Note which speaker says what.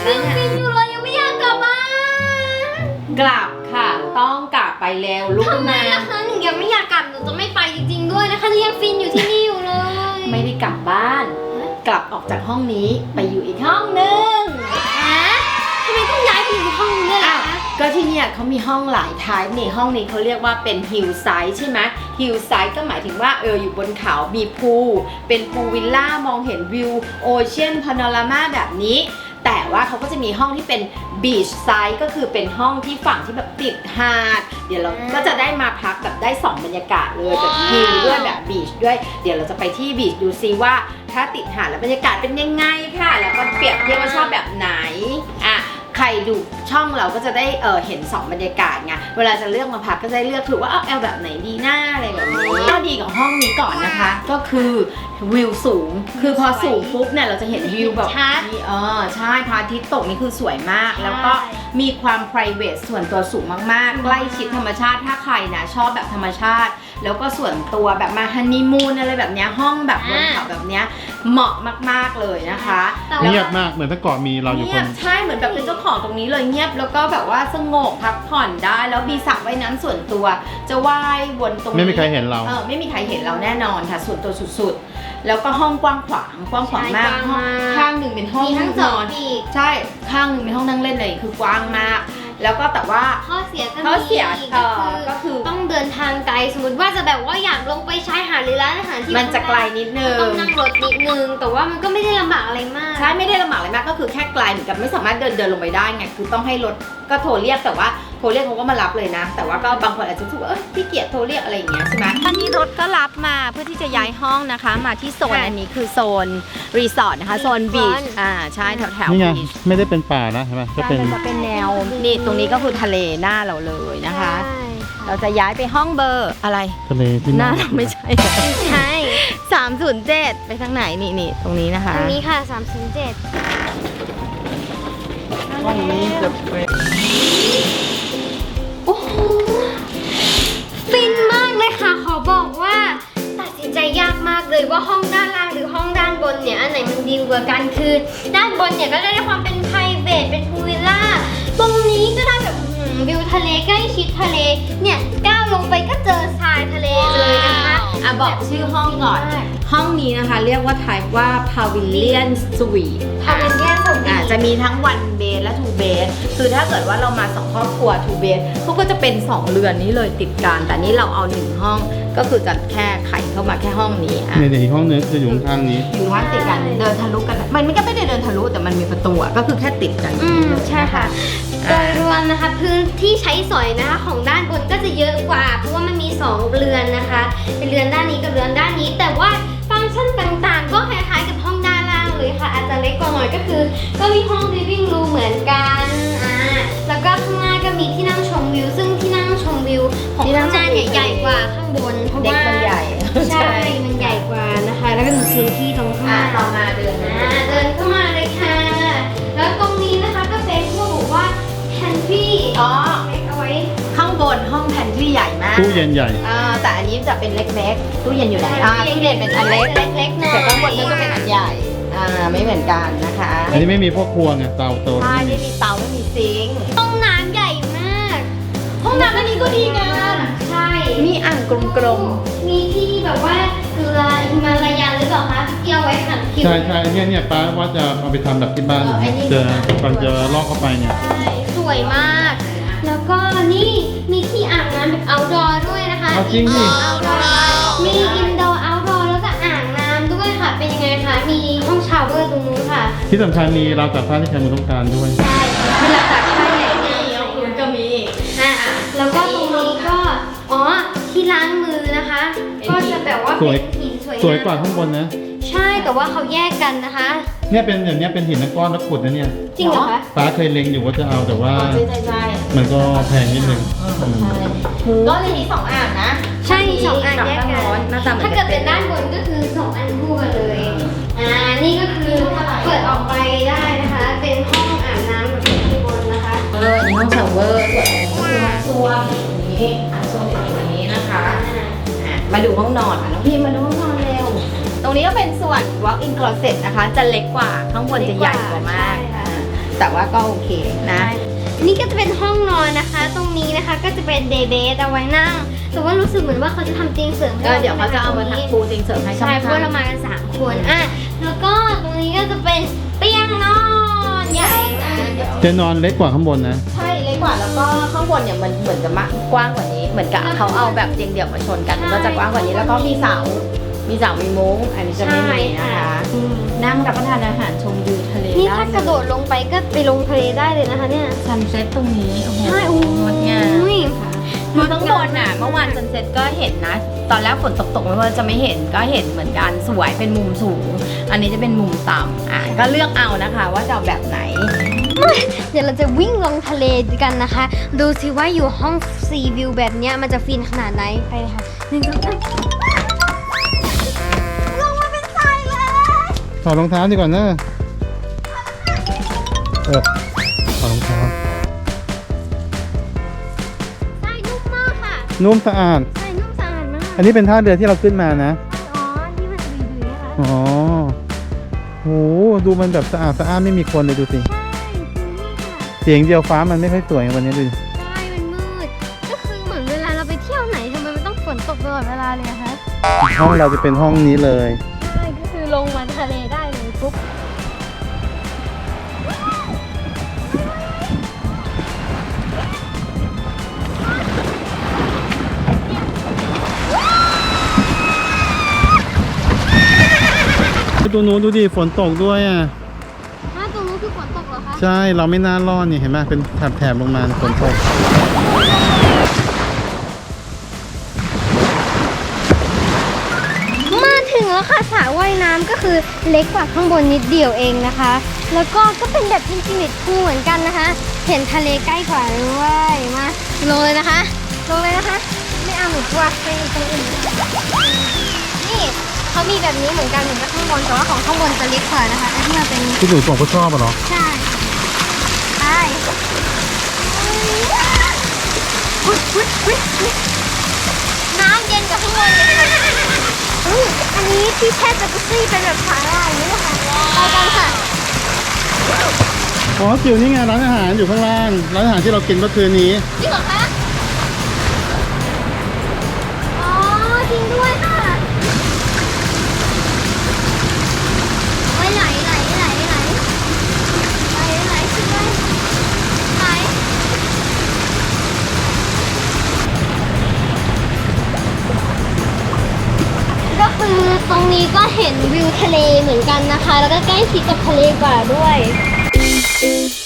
Speaker 1: แล้วเนี่ย
Speaker 2: ฟินอยู่เลยยังไม่อยากกลับบ้าน
Speaker 1: กลับค่ะต้องกลับไปแล้วลูก
Speaker 2: ทำไม
Speaker 1: นะ
Speaker 2: ล่ะคะหนูยังไม่อยากกลับหนูจะไม่ไปจริงๆด้วยนะคะหนูยังฟินอยู่ที่นี่อยู่เลย
Speaker 1: ไม่ได้กลับบ้าน กลับออกจากห้องนี้ไปอยู่อีกห้องนึง
Speaker 2: ฮะทำไมต้องย้ายไปอยู่ห้องนี้ด้วยล่ะคะ
Speaker 1: ก็ที่เนี่ยเขามีห้องหลายทายนี่ห้องนี้เขาเรียกว่าเป็นฮิลไซด์ใช่ไหมฮิลไซด์ก็หมายถึงว่าอยู่บนเขามีพูลเป็นพูลวิลล่ามองเห็นวิวโอเชียนพาโนรามาแบบนี้แต่ว่าเขาก็จะมีห้องที่เป็นบีชไซด์ก็คือเป็นห้องที่ฝั่งที่แบบติดหาดเดี๋ยวเราก็จะได้มาพักแบบได้2บรรยากาศเลยแบบฮิลด้วยแบบบีชด้วยเดี๋ยวเราจะไปที่บีชดูซิว่าถ้าติดหาดแล้วบรรยากาศเป็นยังไงค่ะแล้วก็เปรียบเทียบว่าชอบแบบไหนอ่ะใครดูช่องเราก็จะได้เห็น2บรรยากาศไงเวลาจะเลือกมาพักก็จะได้เลือกถูกว่าเอาแบบไหนดีหน้าอะไรแบบนี้ก็ดีกับห้องนี้ก่อนนะคะก็คือวิวสูงคือพอสูงปุ๊บเนี่ยเราจะเห็นวิวแบบนี้ใช่พระอาทิตย์ตกนี่คือสวยมากแล้วก็มีความ private ส่วนตัวสูงมากๆใกล้ชิดธรรมชาติถ้าใครนะชอบแบบธรรมชาติแล้วก็ส่วนตัวแบบมาฮันนีมูนอะไรแบบเนี้ยห้องแบบบนเขาแบบเนี้ยเหมาะมากๆเลยนะคะ
Speaker 3: เงียบมากเหมือนถ้าเกาะมีเราอยู่คน
Speaker 1: ใช่เหมือนแบบเป็นเจ้าของตรงนี้เลยเงียบแล้วก็แบบว่าสงบพักผ่อนได้แล้วมีสระว่ายน้ำส่วนตัวจะว่ายวนตรงนี้
Speaker 3: ไม่มีใครเห็นเรา
Speaker 1: ไม่มีใครเห็นเราแน่นอนค่ะส่วนตัวสุดๆแล้วก็ห้องกว้างขวางมากข้างหนึ่งเป็นห้องนั่งนอนใช่ข้างหนึ่งเป็นห้องนั่งเล่นเลยคือกว้างมากแล้วก็แต่ว่า
Speaker 2: ข้อเสีย
Speaker 1: ก็คือ
Speaker 2: ต้องเดินทางไกลสมมติว่าจะแบบว่าอยากลงไปชายหาดหรือร้านอาหารที่
Speaker 1: มันจะไกลนิดนึง
Speaker 2: ต้องนั่งรถนิดนึงแต่ว่ามันก็ไม่ได้ลำบากอะไรมาก
Speaker 1: ใช่ไม่ได้ลำบากอะไรมากก็คือแค่ไกลเหมือนกับไม่สามารถเดินลงไปได้ไงคือต้องให้รถก็โทรเรียกแต่ว่าโทรเรียกเขาก็มารับเลยนะแต่ว่าก็บางคนอาจจะรู้สึกว่าขี้เกียจโทรเรียกอะไรอย่างเงี้ยใช่ไหมตอนนี้รถก็รับมาเพื่อที่จะย้ายห้องนะคะมาที่โซนอันนี้คือโซนรีสอร์ทนะคะโซนบีชใช่แถว
Speaker 3: นี่ไง
Speaker 1: บีช
Speaker 3: ไม่ได้เป็นป่านะใช่ไหมก็เป็น
Speaker 1: แนวนี่ตรงนี้ก็คือทะเลหน้าเราเลยนะคะเราจะย้ายไปห้องเบอร์อะไร
Speaker 3: ทะเลที่
Speaker 1: หน้าเราไม่ใช่
Speaker 2: ใช่
Speaker 1: 307ไปทางไหนนี่ตรงนี้นะคะ
Speaker 2: ตรงนี้ค่ะ307
Speaker 1: ห้องนี้จะเป็น
Speaker 2: โอ้โหฟินมากเลยค่ะขอบอกว่าตัดสินใจยากมากเลยว่าห้องด้านล่างหรือห้องด้านบนเนี่ยอันไหนมันดีกว่ากันคือด้านบนเนี่ยก็ได้ความเป็นไพรเวทเป็นพูลวิลล่าตรงนี้ก็ได้แบบวิวทะเลใกล้ชิดทะเลเนี่ยก้าวลงไปก็เจอทรายทะเลเลยนะคะ
Speaker 1: บอกชื่อห้องก่อนห้องนี้นะคะเรียกว่า type ว่า Pavilion Suite
Speaker 2: Pavilion Suite
Speaker 1: จะมีทั้ง one bed และ two bed คือถ้าเกิดว่าเรามา2ครอบครัว two bed เขาก็จะเป็น2เรือนนี้เลยติดกันแต่นี้เราเอา1ห้องก็คือจะแค่ไขเข้ามาแค่ห้องนี้
Speaker 3: ในอีกห้องนึงคืออยู่ข้างนี้
Speaker 1: อยู่ข้างติดกันเดินทะลุกันมันก็ไม่ได้เดินทะลุแต่มันมีประตูก็คือแค่ติดกัน
Speaker 2: ใช่ค่ะโดยรวมนะคะพื้นที่ใช้สอยนะคะของด้านบนก็จะเยอะกว่าเพราะว่ามันมี2เรือนนะคะเป็นเรือนด้านนี้กับเรือนด้านนี้แต่ว่าฟังก์ชันต่างๆก็คล้ายๆกับห้องด้านล่างเลยค่ะอาจจะเล็กกว่าหน่อยก็คือก็มีห้อง living room เหมือนกันแล้วก็ข้างหน้าก็มีที่นั่งชมวิวซึ่งที่นั่งชมวิวของข้างหน้าเนี่ยใหญ่กว่าข้างบนเพราะว่า
Speaker 1: มันใหญ่
Speaker 2: ใช่มันใหญ่กว่านะคะแล้วก็มีพื้นที่ตรงข้างหน้า
Speaker 1: เรามาเดิน
Speaker 2: เข้ามาเลยค่ะแล้วตรงนี้นะคะก็เป็นพวกบอกว่าแพนทรีเล็กเอาไว้
Speaker 1: ข้างบนห้องแพนทรีใหญ่มาก
Speaker 3: ตู้เย็นใหญ่
Speaker 1: แต่อันนี้จะเป็นเล็กๆตู้เย็นอยู่ไหนตู้เย็นเป็นอันเล็ก
Speaker 2: ๆ
Speaker 1: แต่ข้างบนก็จะเป็นอันใหญ่ไม่เหมือนกันนะคะ
Speaker 3: อันนี้ไม่มีพวกครัวไงเตาโต
Speaker 1: ใช่ไม่มีเตาไม่มีซิงค์
Speaker 2: ห้องน้ำใหญ่มาก
Speaker 1: ห้องน้ำอันนี้ก็ดีงาม
Speaker 2: ใช่
Speaker 1: มีอ่างกลม
Speaker 2: ๆมีที่แบบว่าเกลือฮิมาลายันหรือเปล่าคะที่เอาไว้ขัดผิว
Speaker 3: ใช่เนี่ยป้าว่าจะเอาไปทำแบบที่บ้านก่อนจะลอกเข้าไปเนี่ย
Speaker 2: สวยมากแล้วก็นี่มีที่อาบน้ำแบบ outdoor ด้วยนะคะ
Speaker 3: จริงดิ
Speaker 2: มี indoor outdoor แล้วก็อ่างน้ำด้วยค่ะเป็นยังไงคะมีห้องชาวเวอร์ตรงนู้นค่ะ
Speaker 3: ที่สำคัญมีเราวตากผ้าที่ใครมือต้องการด้วย
Speaker 2: ใช่มีเราวตากผ้าใหญ่
Speaker 1: คุณก็มี
Speaker 2: แล้วก็ตรงนี้ก็ที่ล้างมือนะคะก็จะแบบว่าเป็นหินสวย
Speaker 3: กว่าข้างบนนะ
Speaker 2: ใช่แต่ว่าเขาแยกกันนะคะ
Speaker 3: เนี่ยเป็นอย่างเนี้ยเป็นหินก้อนแล้วขุดนะเนี่ย
Speaker 2: จริงเหรอคะ
Speaker 3: ป้าเคยเล็งอยู่ว่าจะเอาแต่ว่า
Speaker 1: ใช่
Speaker 3: มันก็แพงนิดนึง
Speaker 1: ก็เลยมี2อ่างนะ
Speaker 2: ใช่2อ่างแยกกันถ้าเกิดเป็นด้านบนก็คือ2อันคู่กันเลยนี่ก็คือเปิดออกไปได้นะคะเป็นห้องอาบน้ำแบบข้างบนนะคะ
Speaker 1: มีห้องชาวเวอร์ส่วนนี้คือห้องส้วมอย่างนี้ส้วมอย่างนี้นะคะมาดูห้องนอนน้องพี่มาดูห้องนอนเร็วตรงนี้ก็เป็นส่วน walk-in closet นะคะจะเล็กกว่าข้างบนจะใหญ่กว่ามากแต่แต่ว่าก็โอเคนะ
Speaker 2: นี่ก็จะเป็นห้องนอนนะคะ ตรงนี้นะคะก็จะเป็นเดย์เบสเอาไว้นั่ง แต่ว่ารู้สึกเหมือนว่าเขาจะทำเตียงเสริมให้
Speaker 1: เดี๋ยวเขาจะเอามาทำปูเตียงเสริมให้
Speaker 2: ใช่เพราะเรามากัน3 คนอ่ะแล้วก็ตรงนี้ก็จะเป็นเตียงนอนใหญ่มาก
Speaker 3: จะนอนเล็กกว่าข้างบนนะ
Speaker 1: ใช่เล็กกว่าแล้วก็ข้างบนเนี่ยมันเหมือนจะกว้างกว่านี้เหมือนกับเขาเอาแบบเตียงเดี่ยวมาชนกันมันก็จะกว้างกว่านี้แล้วก็มีเสามีมุ้งอันนี้จะไม่มีนะคะนั่งรับประทานอาหารชมวิวทะเล
Speaker 2: นี่
Speaker 1: ได้
Speaker 2: ถ้ากระโดดลงไปก็ไปลงทะเลได้เลยนะคะเนี่ย
Speaker 1: ซันเซ็ตตรงนี้โอ้โห
Speaker 2: ใช่
Speaker 1: งดงาม
Speaker 2: อุ้ย
Speaker 1: คือข้างบนน่ะเมื่อวานซันเซ็ตก็เห็นนะ ตอนแรกฝนตกไม่ว่าจะไม่เห็นก็เห็นเหมือนกันสวยเป็นมุมสูง อันนี้จะเป็นมุมต่ำก็เลือกเอานะคะว่าจะเอาแบบไหน
Speaker 2: เดี๋ยวเราจะวิ่งลงทะเลกันนะคะ ดูสิว่าอยู่ห้องซีวิวแบบเนี้ยมันจะฟินขนาดไหนไปเลยค่ะ1 2 3ลงมาเป็นทรายเลย
Speaker 3: ถอดรองเท้าดีกว่านะถอดรองเท้า
Speaker 2: ทรายนุ่มมากค่ะ
Speaker 3: นุ่มสะอาด
Speaker 2: ทรายนุ่มสะอาดมาก
Speaker 3: อันนี้เป็นท่าเรือที่เราขึ้นมานะ
Speaker 2: อ๋อที่มันดุยๆนะคะ
Speaker 3: อ๋อโหดูมันแบบสะอาดสะอ้านไม่มีคนเลยดูสิ
Speaker 2: ใช่คือนี่ค่ะ
Speaker 3: เสียงเดียวฟ้ามันไม่ค่อยสวยวันนี้ดูดิ
Speaker 2: ใช่มันมืดก็คือเหมือนเวลาเราไปเที่ยวไหนทำไมมันต้องฝนตกตลอดเวลาเลยอะคะ
Speaker 3: ห้องเราจะเป็นห้องนี้เลย
Speaker 2: ใช่ก็คือลงมาทะเลได้เลยปุ๊บ
Speaker 3: ตัวนู้นดูดิฝนตกด้วยอ่ะ
Speaker 2: ตรงนู้นคือฝนตกเหรอคะ
Speaker 3: ใช่เราไม่น่ารอดนี่เห็นไหมเป็นแถบๆลงมาฝนตก
Speaker 2: มาถึงแล้วค่ะสระว่ายน้ำก็คือเล็กกว่าข้างบนนิดเดียวเองนะคะ แล้วก็เป็นแบบอินฟินิตพูลเหมือนกันนะคะ เห็นทะเลใกล้กว่าด้วยมาลงเลยนะคะลงเลยนะคะ ไม่เอาหนูกลัวไปตรงอื่นนี่เขามีแบบนี้เหมือนกันเหมือนกับข้างบนแต่ว่าของข้างบนจะเล็กกว่านะคะอันที่มันเป็น
Speaker 3: ที่หนูส่งก็ชอบอ่ะเหรอ
Speaker 2: ใช่ไปน้ำเย็นกว่าข้างบนเลยค่ะอันนี้ที่แช่จักรุซี่เป็นแบบสาหร่ายนี่นะคะไปกันค่ะ
Speaker 3: อ๋อจิ๋วนี่ไงร้านอาหารอยู่ข้างล่างร้านอาหารที่เรากินเมื่อคืนนี้
Speaker 2: จริงเหรอคะอ๋อจริงด้วยค่ะไหลไหลไหลไหลไหลไหลไหลขึ้นไหลไหลก็คือตรงนี้ก็เห็นวิวทะเลเหมือนกันนะคะ แล้วก็ใกล้ชิดกับทะเลกว่าด้วย